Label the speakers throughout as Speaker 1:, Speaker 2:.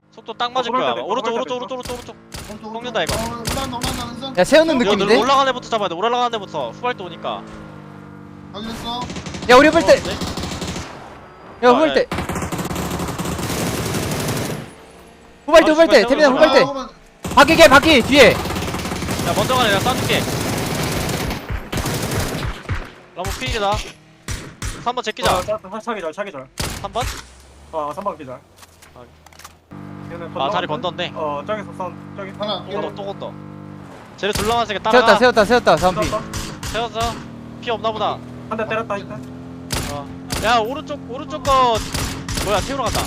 Speaker 1: 속도 딱 맞을 거야. 아마. 오른쪽. 꺾는다, 이거.
Speaker 2: 올라간다.
Speaker 3: 야 세우는
Speaker 1: 이거
Speaker 3: 느낌인데?
Speaker 1: 올라가는 애부터 잡아야 돼. 올라가는 애부터 후발도 오니까.
Speaker 2: 확인했어.
Speaker 3: 야 우리 볼 때.
Speaker 1: 네?
Speaker 3: 야 후발 때. 후발 때. 태민아 후발 때. 바퀴 뒤에.
Speaker 1: 야 먼저 가네. 내가 쏴줄게. 라모 피이다. 3번 제끼자.
Speaker 4: 차기절
Speaker 1: 3번?
Speaker 4: 3번 기절.
Speaker 1: 아 다리 건졌네.
Speaker 4: 저기서 저기
Speaker 2: 하나.
Speaker 1: 또 건너. 쟤네 둘러맞으니까 따라가.
Speaker 3: 세웠다 3피.
Speaker 1: 세웠어. 피 없나 보다.
Speaker 4: 한 대 때렸다 일단.
Speaker 1: 야 오른쪽 거 뭐야 태우러 간다.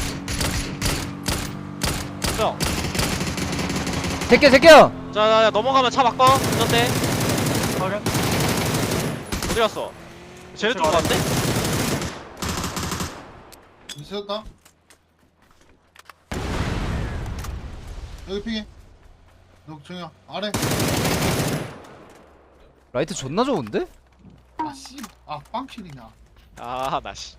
Speaker 1: 형.
Speaker 3: 제껴.
Speaker 1: 자 넘어가면 차 바꿔. 운전대.
Speaker 4: 확인.
Speaker 1: 어디 갔어? 쟤네 쪽으로 갔는데?
Speaker 2: 있었다. 여기 핑해. 너 정이야 아래.
Speaker 3: 라이트 존나 좋은데?
Speaker 2: 아 씨. 아 빵킬이냐.
Speaker 1: 아 나 씨.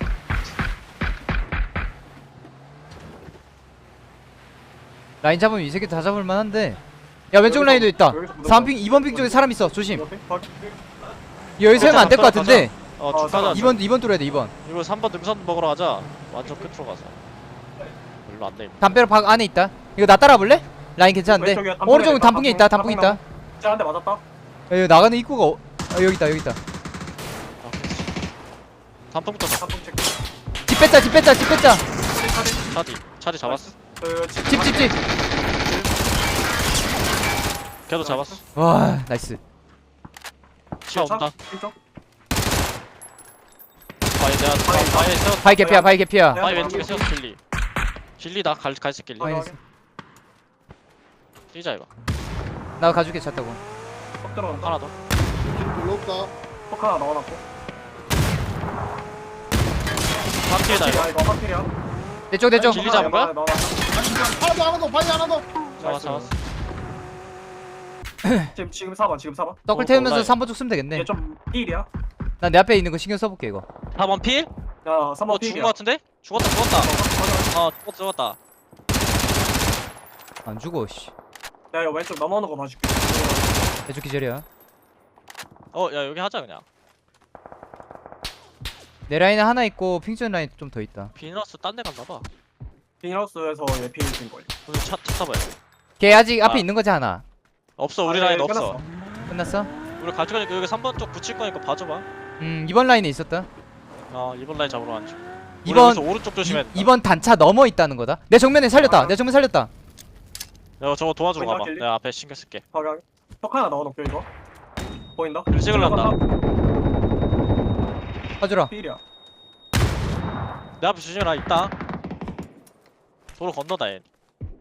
Speaker 3: 라인 잡으면 이 새끼 다 잡을 만한데. 야 왼쪽 라인도 있다. 3핑 2번 핑 쪽에 사람 있어. 조심. 여기 세우면 안 될 것 같은데.
Speaker 1: 가자.
Speaker 3: 2번 뚫어야 돼 2번.
Speaker 1: 이거 3번 능선 먹으러 가자. 완전 끝으로 가자. 일로 안 돼.
Speaker 3: 담벼락 박 안에 있다. 이거 나 따라볼래? 라인 괜찮은데.
Speaker 4: 왼쪽에 단풍에
Speaker 3: 오른쪽은
Speaker 4: 있다,
Speaker 3: 단풍에 있다. 단풍 있다. 야,
Speaker 4: 진짜 한 대 맞았다.
Speaker 3: 여기 나가는 입구가 여기 있다.
Speaker 1: 아, 그렇지. 단풍부터 가.
Speaker 4: 단풍 체크.
Speaker 3: 집 뺐자.
Speaker 1: 차디 잡았어.
Speaker 3: 집.
Speaker 1: 걔도 잡았어.
Speaker 3: 와 나이스.
Speaker 1: 차 온다.
Speaker 4: 이쪽.
Speaker 1: 바위 내가 바위에 세웠어.
Speaker 3: 바이 개피야.
Speaker 1: 바위 왼쪽에 세웠어. 길리다. 갈색 길리.
Speaker 4: 확인.
Speaker 1: 뛰자 이거.
Speaker 3: 나 가줄게 차 타고.
Speaker 4: 턱 들어온다.
Speaker 1: 하나 더.
Speaker 2: 별로 없다.
Speaker 4: 턱 하나 넣어놨고.
Speaker 1: 바퀴다 이거.
Speaker 4: 이거 확실이야.
Speaker 3: 내쪽
Speaker 1: 길리 잡은 거야?
Speaker 2: 하나 더. 바위 하나 더.
Speaker 1: 잡았어.
Speaker 4: 지금 4번.
Speaker 3: 떡을 태우면서
Speaker 1: 온라인.
Speaker 3: 3번 쪽 쓰면 되겠네.
Speaker 4: 얘좀 필이야.
Speaker 3: 난 내 앞에 있는 거 신경 써볼게 이거.
Speaker 1: 4번 필?
Speaker 4: 야 3번
Speaker 1: 죽은
Speaker 4: 필이야.
Speaker 1: 거 같은데? 죽었다. 죽었다.
Speaker 3: 안 죽어 씨.
Speaker 4: 야 이거 왼쪽 넘어오는 거 봐줄게.
Speaker 3: 내쪽 기절이야.
Speaker 1: 야 여기 하자 그냥.
Speaker 3: 내 라인에 하나 있고 핑전 라인 좀 더 있다.
Speaker 1: 비너스 딴 데 갔나봐.
Speaker 4: 빈하우스에서 얘 필 준 거야.
Speaker 1: 오늘 차 타봐야 돼.
Speaker 3: 걔 아직 앞에
Speaker 1: 아.
Speaker 3: 있는 거지 하나.
Speaker 1: 없어 우리
Speaker 4: 아,
Speaker 1: 라인
Speaker 4: 예,
Speaker 1: 없어.
Speaker 3: 끝났어?
Speaker 1: 우리 갈 거니까 여기 3번 쪽 붙일 거니까 봐줘봐.
Speaker 3: 2번 라인에 있었다.
Speaker 1: 2번 라인 잡으러 가자.
Speaker 3: 2번
Speaker 1: 오른쪽 조심해.
Speaker 3: 2번 단차 넘어 있다는 거다. 내 정면에 살렸다. 내 정면 살렸다.
Speaker 1: 내가 저거 도와주러
Speaker 4: 보인다,
Speaker 1: 가봐.
Speaker 4: 길리?
Speaker 1: 내가 앞에 신경 쓸게.
Speaker 4: 확인. 턱 하나 넣어놓을게 이거. 보인다?
Speaker 1: 길 찍을란다.
Speaker 3: 가주라.
Speaker 4: 필이야.
Speaker 1: 내 앞에 조심해라. 있다. 도로 건너다 얘.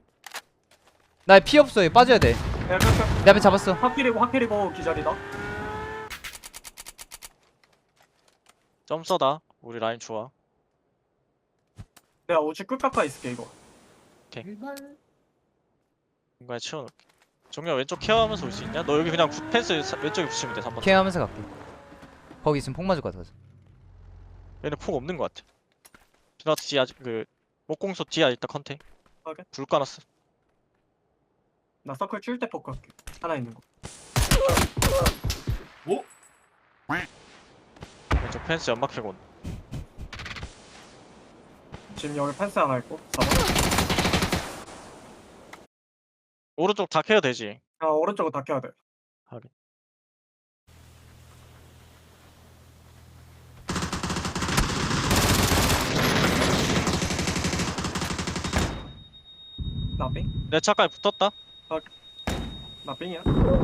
Speaker 3: 나 피 없어. 얘 빠져야 돼.
Speaker 4: 야
Speaker 3: 내 앞에 잡았어.
Speaker 4: 확필이고 기절이다.
Speaker 1: 점 써다. 우리 라인 좋아.
Speaker 4: 내가 우측 끝 가까이 있을게 이거.
Speaker 2: 제발.
Speaker 1: 공간에 채워놓을게. 정면 왼쪽 케어하면서 올 수 있냐? 너 여기 그냥 펜스 왼쪽에 붙이면 돼. 3번.
Speaker 3: 케어하면서 갈게. 거기 있으면 폭 맞을 것 같아서.
Speaker 1: 얘는 폭 없는 것 같아. 비나트 뒤에 아직 목공소 뒤에 있다 컨테.
Speaker 4: 오케이.
Speaker 1: 불 까놨어.
Speaker 4: 나 서클 칠 때 포크 할게. 하나 있는 거.
Speaker 1: 왼쪽 펜스 연막 캐고 온다.
Speaker 4: 지금 여기 펜스 하나 있고. 4번.
Speaker 1: 오른쪽 다 케어 되지.
Speaker 4: 오른쪽은 다 켜야 돼.
Speaker 1: 확인.
Speaker 4: 나빙?
Speaker 1: 내 차까지 붙었다.
Speaker 4: 나빙이야?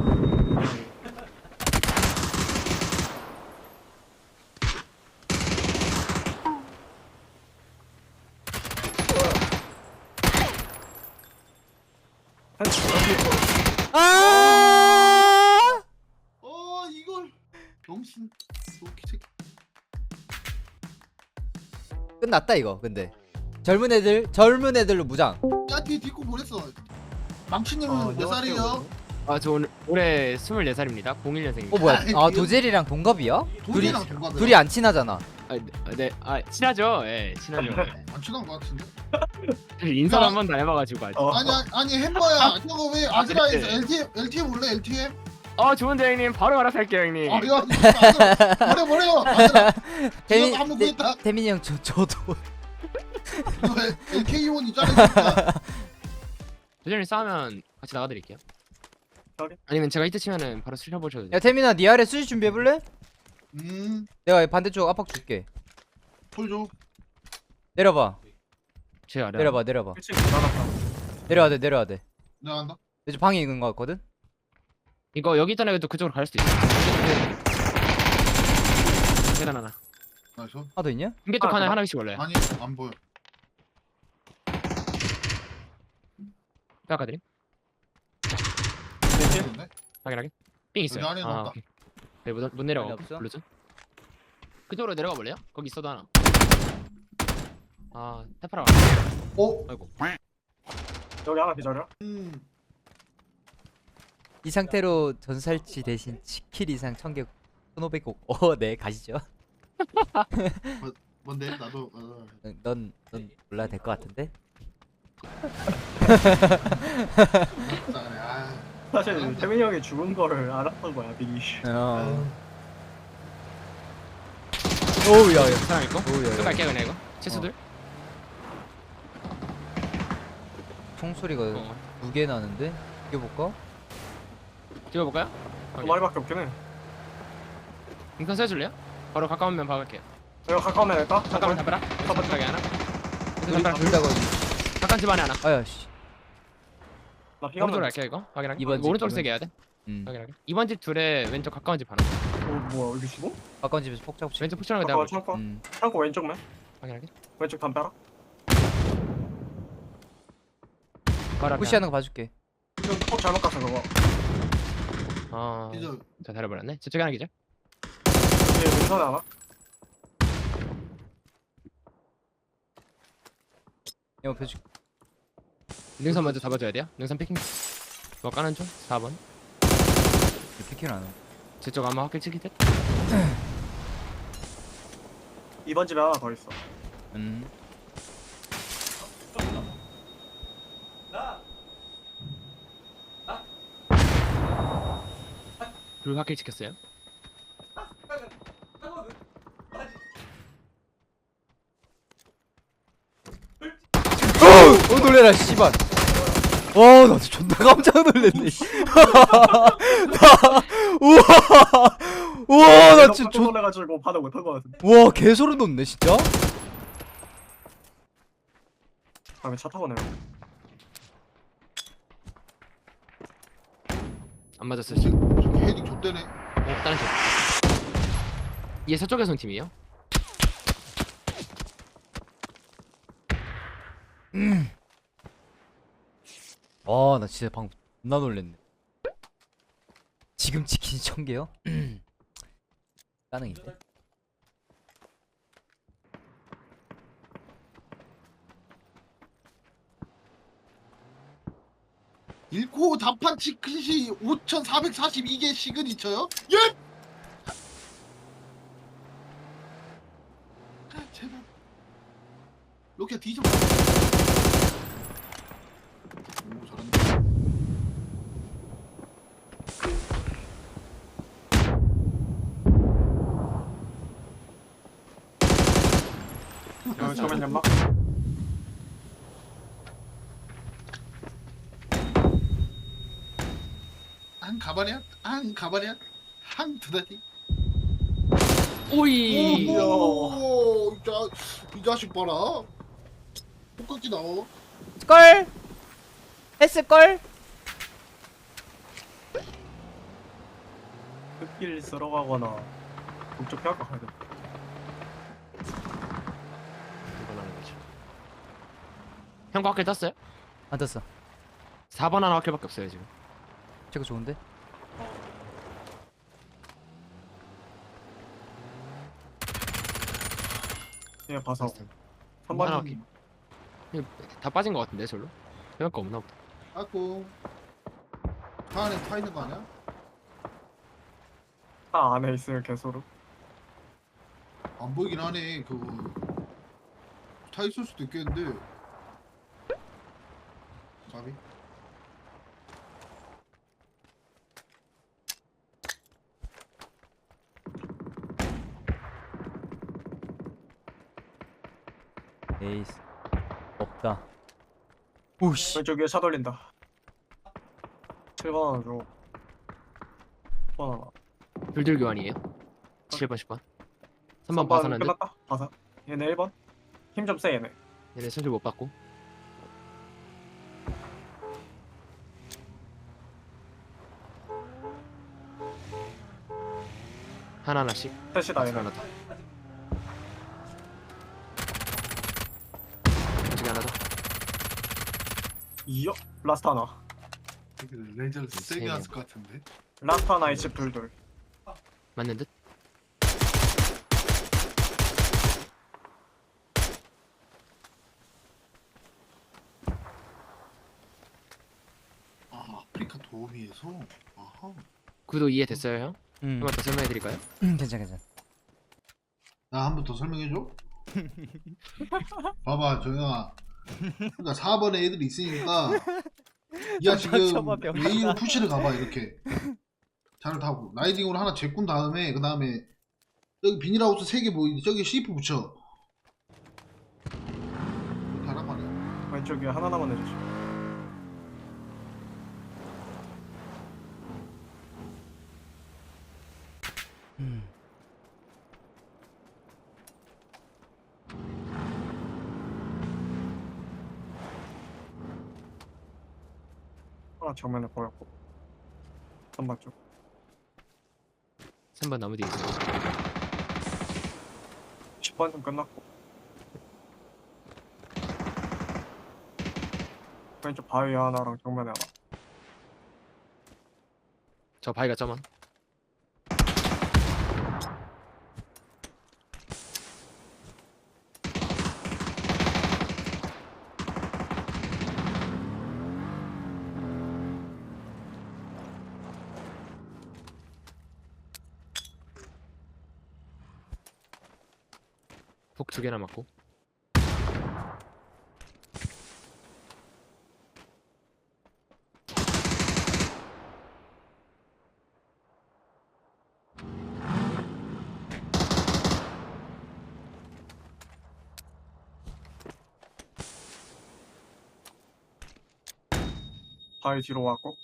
Speaker 4: 펜스
Speaker 3: 아!
Speaker 2: 이걸. 병신. 도끼 새끼.
Speaker 3: 끝났다 이거. 근데 젊은 애들로 무장.
Speaker 2: 야 뒤에 딛고 보냈어. 망치님은 몇 살이에요?
Speaker 5: 저 오늘 올해 24살입니다. 01년생입니다.
Speaker 3: 뭐야?
Speaker 2: 아,
Speaker 3: 도젤이랑 동갑이야?
Speaker 2: 도끼랑 동갑이야.
Speaker 3: 둘이 안 친하잖아.
Speaker 5: 친하죠. 예, 친하죠.
Speaker 2: 안 친한 것 같은데.
Speaker 5: 인사를 한 번도 안 해봐가지고 아직.
Speaker 2: 아니 햄버야. 저거 왜 아즈라에서
Speaker 5: 네.
Speaker 2: LTM 올래 LTM?
Speaker 5: 좋은데 형님 바로 알아서 할게요 형님.
Speaker 2: 이거 버려. 아즈라.
Speaker 3: 태민
Speaker 2: 한번 구했다.
Speaker 3: 태민이 형 저도
Speaker 2: 이거 LK1 있잖아.
Speaker 5: 도전이 싸우면 같이 나가드릴게요.
Speaker 4: 저기?
Speaker 5: 아니면 제가 히트 치면은 바로 슬려보셔도 돼요.
Speaker 3: 야 태민아 니 아래 수지 준비해볼래? 내가 반대쪽 압박 줄게.
Speaker 2: 보여줘.
Speaker 3: 내려봐
Speaker 5: 제 아래.
Speaker 3: 내려봐
Speaker 4: 그치 나갔다.
Speaker 3: 내려와 돼
Speaker 2: 내가 한다.
Speaker 3: 내 집 방에 있는 거 같거든?
Speaker 5: 이거 여기 있던 애도 그쪽으로 갈 수도 있어. 계단 하나.
Speaker 2: 나이스.
Speaker 3: 하나 더 있냐?
Speaker 5: 흰개쪽
Speaker 4: 아,
Speaker 5: 하나
Speaker 4: 그만.
Speaker 5: 하나씩 올려요.
Speaker 2: 아니 안 보여.
Speaker 5: 깎아드림.
Speaker 2: 보이는데?
Speaker 5: 확인하게. 삥 있어요.
Speaker 2: 여기 안에 넣었다.
Speaker 5: 오케이. 네, 못 내려가.
Speaker 3: 안에 없어?
Speaker 5: 블루즈. 그쪽으로 내려가 볼래요? 거기 있어도 하나. 테파라.
Speaker 2: 어?
Speaker 5: 아이고.
Speaker 4: 여기 하나 기다려.
Speaker 3: 이 상태로 전살치 대신 10킬 이상 1000개 1500곡 네 가시죠.
Speaker 2: 뭔데? 나도
Speaker 3: 넌 몰라 될 것 같은데?
Speaker 4: 사실 태민이 형이 죽은 거를 알았던 거야 미리.
Speaker 3: 오우 야야
Speaker 5: 사람 있고.
Speaker 3: 오우
Speaker 5: 또
Speaker 3: 야야
Speaker 5: 갈게요 그냥 이거. 채수들.
Speaker 3: 총소리가
Speaker 5: 어.
Speaker 3: 2개 나는데? 이겨볼까?
Speaker 5: 찍어볼까요?
Speaker 4: 두 마리밖에 없긴 해.
Speaker 5: 인턴 써줄래요? 바로 가까우면 박을게요.
Speaker 4: 이거 가까우면 될까?
Speaker 5: 가까우면 담벼라. 가까이 하나. 담벼라
Speaker 3: 둘 다 거기
Speaker 5: 가까운 집 안에 하나.
Speaker 3: 아야씨
Speaker 4: 나 피가
Speaker 5: 오른쪽으로 갈게요 이거. 확인하게.
Speaker 3: 이번
Speaker 5: 이거
Speaker 3: 집
Speaker 5: 오른쪽으로
Speaker 3: 가면-
Speaker 5: 세게 해야 돼.
Speaker 3: 음
Speaker 5: 확인하게. 이번 집 둘에 왼쪽 가까운 집 하나.
Speaker 4: 뭐야 여기 지금?
Speaker 3: 가까운 집에서 폭 잡고
Speaker 5: 왼쪽 푸시하는 거
Speaker 4: 잠깐만
Speaker 5: 내가 볼게.
Speaker 4: 창고. 창고 왼쪽만.
Speaker 5: 확인하게.
Speaker 4: 왼쪽 담벼라.
Speaker 5: 바로 앞에
Speaker 3: 푸시하는 거 봐줄게
Speaker 4: 이거 꼭 잘못 갔어 그거.
Speaker 5: 하나.
Speaker 2: 이제
Speaker 5: 자 달려버렸네. 저쪽에 하나 기절.
Speaker 4: 여기 능선에 하나.
Speaker 3: 이거 펴줄게
Speaker 5: 능선 먼저 잡아줘야 돼요. 능선 피킹. 뭐 까는 중. 4번.
Speaker 3: 피킹 안 해.
Speaker 5: 저쪽 아마 확킬 치기 듯.
Speaker 4: 2번 집에 하나 더 있어.
Speaker 5: 둘 확킬 찍혔어요.
Speaker 3: 놀래라 씨발 와나 존나 깜짝 놀랐네 우와 나 진짜
Speaker 4: 놀래가지고 반응 못한 거 같은데.
Speaker 3: 와 개소름 돋네 진짜
Speaker 4: 다음에 차 타고 내려.
Speaker 5: 안 맞았어요 지금.
Speaker 2: 저기 헤딩 좆대네.
Speaker 5: 다른 쪽. 얘 서쪽에서 온 팀이에요.
Speaker 3: 나 진짜 방금 존나 놀랬네 지금 치킨 1000개요? 가능인데
Speaker 2: 1코 단판 치킨시 5,442개 시그니처요? 예! 제발 로켓 뒤집어. 오 잘한다.
Speaker 4: 저면 연막.
Speaker 2: 한 가발이야? 한 가발이야? 한 두다리?
Speaker 5: 오이.
Speaker 2: 오, 이 자식 봐라. 똑같이 나와.
Speaker 3: 걸 했을걸?
Speaker 4: 흙길 들어가거나 북쪽 피할 거 가야 돼.
Speaker 5: 이건 하는 거죠. 형거 확킬 땄어요?
Speaker 3: 안 떴어
Speaker 5: 4번 하나 확킬밖에 없어요 지금.
Speaker 3: 제거 좋은데?
Speaker 4: 얘 봐서.
Speaker 5: 하나
Speaker 4: 3번
Speaker 5: 확킬. 다 빠진 거 같은데 절로? 생각 거 없나 보다.
Speaker 2: 아고 차 안에 타 있는 거 아니야?
Speaker 4: 차 안에 있으면 개소름.
Speaker 2: 안 보이긴 하네. 그거 타 있을 수도 있겠는데. 가비.
Speaker 3: 에이스 없다. 오씨.
Speaker 4: 왼쪽 위에 차 돌린다. 7번 하나 줘. 10번 하나.
Speaker 5: 불들 교환이에요. 7번 10번. 3번 봐서는데
Speaker 4: 끝났다. 봐서. 얘네 1번. 힘 좀 세 얘네.
Speaker 5: 얘네 손질 못 받고. 하나씩.
Speaker 4: 셋이다 얘네.
Speaker 5: 하나 더. 지금 하나 더.
Speaker 4: 이어? 라스트 하나.
Speaker 2: 레이저를 세게 했을 것 같은데.
Speaker 4: 라스트 하나에 집 둘둘.
Speaker 5: 맞는 듯.
Speaker 2: 아, 아프리카 도우미에서. 아하.
Speaker 5: 구도 이해됐어요 형? 한 번 더 설명해 드릴까요?
Speaker 3: 괜찮아.
Speaker 2: 나 한 번 더 설명해줘. 봐봐, 정영아. 그러니까 4번에 애들이 있으니까. 야 지금
Speaker 3: 닥쳐봐, 병신아.
Speaker 2: 웨이로 푸시를 가봐 이렇게. 잘 타고 라이딩으로 하나 제꾼 다음에 그 다음에 여기 비닐하우스 3개 보이지? 저기 C4 붙여. 가란 말이야.
Speaker 4: 왼쪽 위에 하나만 해주시. 하나 정면에 보였고. 3번 쪽.
Speaker 5: 3번 나무 뒤에 있어.
Speaker 4: 10번 좀 끝났고. 왼쪽 바위 하나랑 정면에 하나.
Speaker 5: 저 바위가 저만. 폭 2개나 맞고.
Speaker 4: 바위 뒤로 왔고.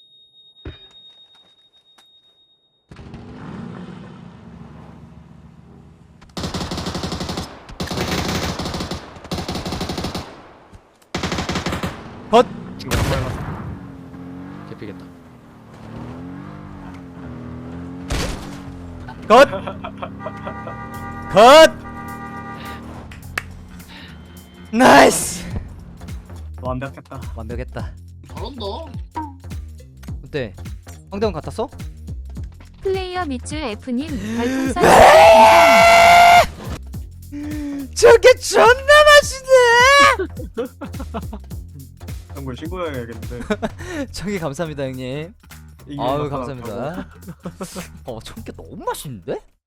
Speaker 3: 헛.
Speaker 4: 지금 보여놨어.
Speaker 5: 개피겠다.
Speaker 3: 컷. 컷. 나이스.
Speaker 4: 완벽했다.
Speaker 3: 완벽했다.
Speaker 2: 잘한다.
Speaker 3: 어때? 황대원 같았어?
Speaker 6: 플레이어 밑줄 F님 별풍선
Speaker 3: 저게 존나 맛있네.
Speaker 4: 형걸 신고해야겠는데.
Speaker 3: 저기 감사합니다 형님.
Speaker 4: 이게
Speaker 3: 아유
Speaker 4: 나타났다고.
Speaker 3: 감사합니다. 저게 너무 맛있는데?